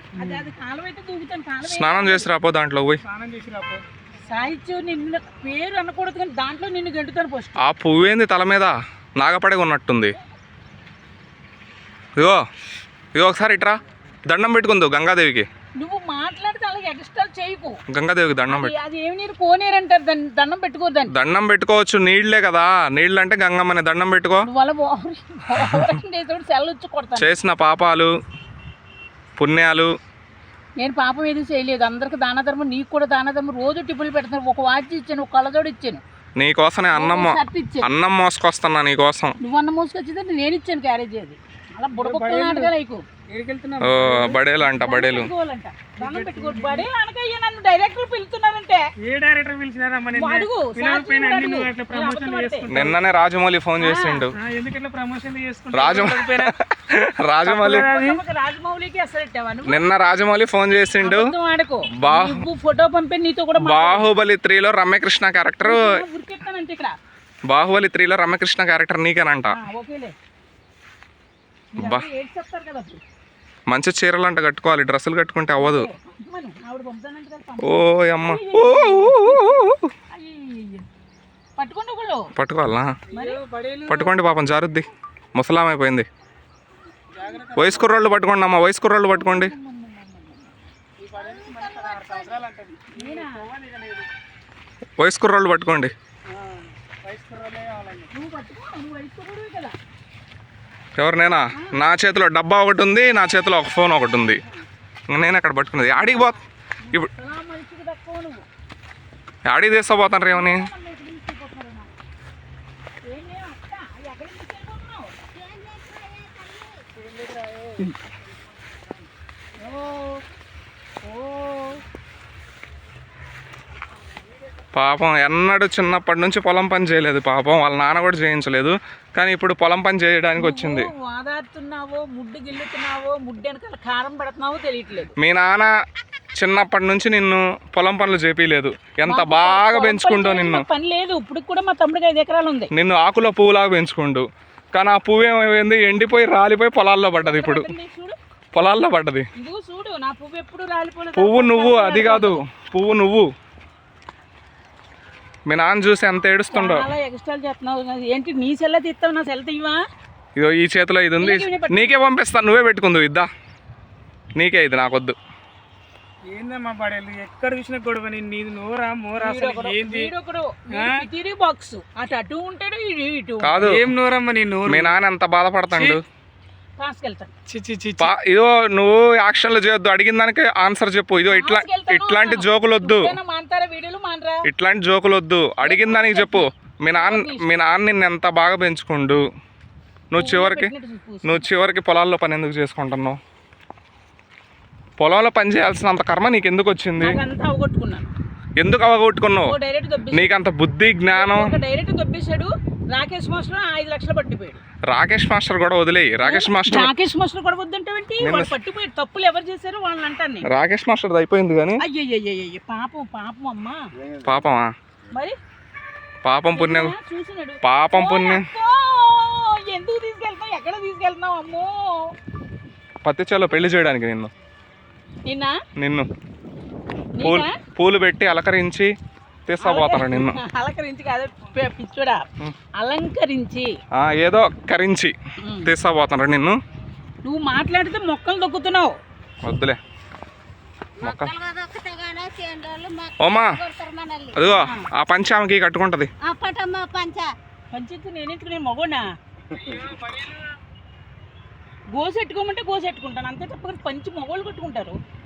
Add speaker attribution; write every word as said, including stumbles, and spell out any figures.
Speaker 1: స్నానం చేసి రాపో దాంట్లో పోయి.
Speaker 2: సాహిత్యం నిన్ను పేరు అనకూడదు కానీ దాంట్లో నిన్ను గెంటుతాను ఫస్ట్.
Speaker 1: ఆ పువ్వు ఏంది తల మీద నాగపడగా ఉన్నట్టుంది. ఇగో ఇగో ఒకసారి ఇట్రా దండం పెట్టుకుందు గంగాదేవికి.
Speaker 2: నువ్వు మాట్లాడితే అలాగే ఎక్స్ట్రా చేయకు.
Speaker 1: గంగాదేవికి దండం పెట్టు.
Speaker 2: అది ఏమి నీరు కోనేరంటారు దాన్ని, దండం పెట్టుకోవద్దని.
Speaker 1: దండం పెట్టుకోవచ్చు, నీళ్లే కదా. నీళ్ళు అంటే గంగమ్మని దండం పెట్టుకో. చేసిన పాపాలు పుణ్యాలు.
Speaker 2: నేను పాపం ఏది చేయలేదు, అందరికి దాన ధర్మం, నీకు కూడా దాన ధర్మం. రోజు టిప్పులు పెడతాను, ఒక వాచ్ ఇచ్చాను, ఒక కళ్ళజోడు ఇచ్చాను.
Speaker 1: నీకోసమే అన్నం అన్నం మోసుకొస్తున్నా నీకోసం.
Speaker 2: నువ్వు అన్నం మోసుకొచ్చింది నేను ఇచ్చాను క్యారేజ్. అది అలా బుడబొక్కలు నాటగా నీకు.
Speaker 1: బడేలు అంట బడేలు. నిన్ననే రాజమౌళి ఫోన్ చేసిండు. రాజమౌళి నిన్న రాజమౌళి ఫోన్ చేసిండు.
Speaker 2: ఫోటో పంపి నీతో కూడా.
Speaker 1: బాహుబలి త్రీలో రమ్యకృష్ణ క్యారెక్టర్ బాహుబలి త్రీలో రమ్యకృష్ణ క్యారెక్టర్ నీకేనంట. మంచి చీరలు అంట కట్టుకోవాలి, డ్రెస్సులు కట్టుకుంటే అవ్వదు. ఓ అమ్మ పట్టుకోవాలా? పట్టుకోండి పాపం జారుద్ది, ముసలామైపోయింది. వయసు కుర్రోళ్ళు పట్టుకోండి అమ్మ, వయసు కుర్రోళ్ళు పట్టుకోండి. వయసు కుర్రోళ్ళు పట్టుకోండి. ఎవరు? నేనా? నా చేతిలో డబ్బా ఒకటి ఉంది, నా చేతిలో ఒక ఫోన్ ఒకటి ఉంది. నేను అక్కడ పట్టుకున్నది. ఆడికి పో ఇప్పుడు, ఆడికి తీసుకోపోతాను రేమని. పాపం ఎన్నడూ చిన్నప్పటి నుంచి పొలం పని చేయలేదు పాపం, వాళ్ళ నాన్న కూడా చేయించలేదు. కానీ ఇప్పుడు పొలం పని చేయడానికి వచ్చింది. మీ నాన్న చిన్నప్పటి నుంచి నిన్ను పొలం పనులు చేపిలేదు, ఎంత బాగా పెంచుకుంటూ నిన్ను.
Speaker 2: పని లేదు ఇప్పుడు కూడా, మా తమ్ముడికి ఐదు ఎకరాలు ఉంది.
Speaker 1: నిన్ను ఆకులో పువ్వులాగా పెంచుకుంటూ, కానీ ఆ పువ్వు ఏమైంది? ఎండిపోయి రాలిపోయి పొలాల్లో పడ్డది. ఇప్పుడు పొలాల్లో పడ్డది. పువ్వు నువ్వు, అది కాదు పువ్వు నువ్వు. మీ నాన్న చూసి ఎంత ఏడుస్తుండో.
Speaker 2: ఏంటి నీ సెల్ల తీస్తావు, నా సెల్ తీవా?
Speaker 1: ఇదో ఈ చేతిలో ఇది ఉంది, నీకే పంపిస్తాను, నువ్వే పెట్టుకుందు. ఇద్దా నీకే, ఇది నాకొద్దు.
Speaker 3: ఏందమ్మా పడేలు ఎక్కడ చూసినా గొడవ. నీది నోరా మోరా
Speaker 2: బాక్స్ అటు అటు ఉంటాడు, ఇటు
Speaker 1: కాదు.
Speaker 3: ఏం నోరమ్మా నీ నోరు?
Speaker 1: మీ నాన్న ఎంత బాధపడతాడు.
Speaker 3: పాస్కెళ్తాను.
Speaker 1: ఇదో నువ్వు యాక్షన్లు చేయొద్దు, అడిగిన దానికి ఆన్సర్ చెప్పు. ఇదో ఇట్లా ఇట్లాంటి జోకులు వద్దు, ఇట్లాంటి జోకులు వద్దు, అడిగిన దానికి చెప్పు. మీ నాన్న మీ నాన్న నిన్ను ఎంత బాగా పెంచుకుండు, నువ్వు చివరికి నువ్వు చివరికి పొలాల్లో పని ఎందుకు చేసుకుంటున్నావు? పొలంలో పని చేయాల్సినంత కర్మ నీకు ఎందుకు వచ్చింది? ఎందుకు అవగొట్టుకున్నావు? నీకంత బుద్ధి జ్ఞానం.
Speaker 2: రాకేష్ మాస్టర్ ఐదు లక్షలు పట్టిపోయాడు.
Speaker 1: రాకేష్ మాస్టర్ కూడా వదిలేయి. రాకేష్ మాస్టర్
Speaker 2: రాకేష్ మాస్టర్ కూడా వద్దంటే పట్టిపోయాడు. తప్పులు ఎవరు చేశారు వాళ్ళని అంటాను.
Speaker 1: రాకేష్ మాస్టర్ అయిపోయింది కానీ
Speaker 2: అయ్యయ్యయ్య పాపం పాపం అమ్మా.
Speaker 1: పాపమా?
Speaker 2: మరి
Speaker 1: పాపం పుణ్యం, పాపం పుణ్యం.
Speaker 2: ఎందుకు తీసుకెళ్తావు? ఎక్కడ తీసుకెళ్తున్నావు? అమ్మో
Speaker 1: పత్తి చేలో పెళ్లి చేయడానికి నిన్ను
Speaker 2: నిన్న
Speaker 1: నిన్ను పూలు పూలు పెట్టి అలకరించి తీసుకుపోతాను నిన్ను.
Speaker 2: అలంకరించి కాదు పిచ్చుడా, అలంకరించి
Speaker 1: ఏదో కరించి తీసుకుపోతాను నిన్ను.
Speaker 2: నువ్వు మాట్లాడితే మొక్కలు దొక్కుతున్నావు.
Speaker 1: వద్దులే మొక్క. ఓమా అదిగో ఆ పంచ ఆమెకి కట్టుకుంటది.
Speaker 2: పంచి నేనెందుకు, నేను మగోనా? గోసెట్టుకోమంటే గోసెట్టుకుంటాను అంతే తప్ప పంచి మగోళ్ళు కట్టుకుంటారు.